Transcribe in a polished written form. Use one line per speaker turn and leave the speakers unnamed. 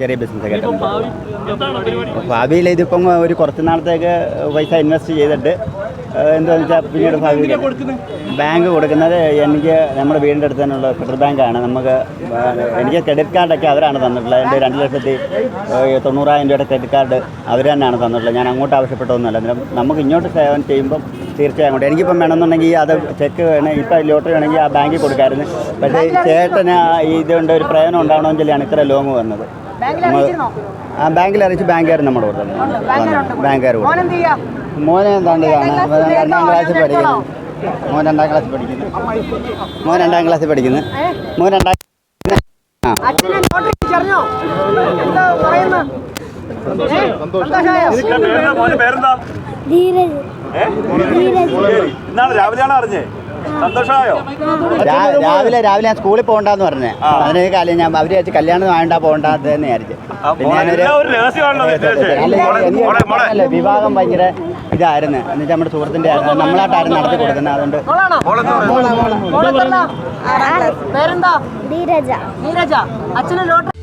ചെറിയ ബിസിനസ്സൊക്കെ ആയിട്ടുണ്ട്. ഭാവിയിൽ ഇതിപ്പം ഒരു കുറച്ച് നാളത്തേക്ക് പൈസ ഇൻവെസ്റ്റ് ചെയ്തിട്ട് എന്താണെന്ന് വെച്ചാൽ പിന്നീട് ഭാവിയിൽ ബാങ്ക് കൊടുക്കുന്നത് എനിക്ക് നമ്മുടെ വീടിൻ്റെ അടുത്ത് തന്നെയുള്ള ഫെഡറൽ ബാങ്കാണ്. എനിക്ക് ക്രെഡിറ്റ് കാർഡൊക്കെ അവരാണ് തന്നിട്ടുള്ളത്. എൻ്റെ 2,90,000 രൂപയുടെ ക്രെഡിറ്റ് കാർഡ് അവർ തന്നെയാണ് തന്നിട്ടുള്ളത്. ഞാൻ അങ്ങോട്ട് ആവശ്യപ്പെട്ടൊന്നുമല്ല. അന്നേരം നമുക്ക് ഇങ്ങോട്ട് സേവനം ചെയ്യുമ്പം തീർച്ചയായും അങ്ങോട്ട് എനിക്കിപ്പം വേണമെന്നുണ്ടെങ്കിൽ അത് ചെക്ക് വേണം, ഇപ്പം ലോട്ടറി വേണമെങ്കിൽ ആ ബാങ്കിൽ കൊടുക്കാമായിരുന്നു. പക്ഷേ ചേട്ടന് ഇതുകൊണ്ട് ഒരു പ്രയോജനം ഉണ്ടാവണമെങ്കിലാണ് ഇത്ര ലോങ് വന്നത്. ആ ബാങ്കിൽ അറിയിച്ച് ബാങ്കുകാർ നമ്മുടെ കൂടെ തന്നെ ബാങ്കുകാർ മോനെ എന്താണ്ട് 2ാം ക്ലാസ്സിൽ പഠിക്കുന്നു. മോൻ 2ാം ക്ലാസ്സിൽ പഠിക്കുന്നു. മോൻ 2ാം രാവിലെ ഞാൻ സ്കൂളിൽ പോകണ്ടെന്ന് പറഞ്ഞേ. അതിന് കാര്യം ഞാൻ അവര് വെച്ച് കല്യാണം വേണ്ട പോകണ്ടെന്ന് വിചാരിച്ചു. പിന്നെ ഞാനൊരു വിവാഹം ഭയങ്കര ഇതായിരുന്നു. എന്നുവെച്ചാൽ നമ്മുടെ സുഹൃത്തിൻ്റെ ആയിരുന്നു, നമ്മളായിട്ടായിരുന്നു നടത്തി കൊടുക്കുന്നത്. അതുകൊണ്ട്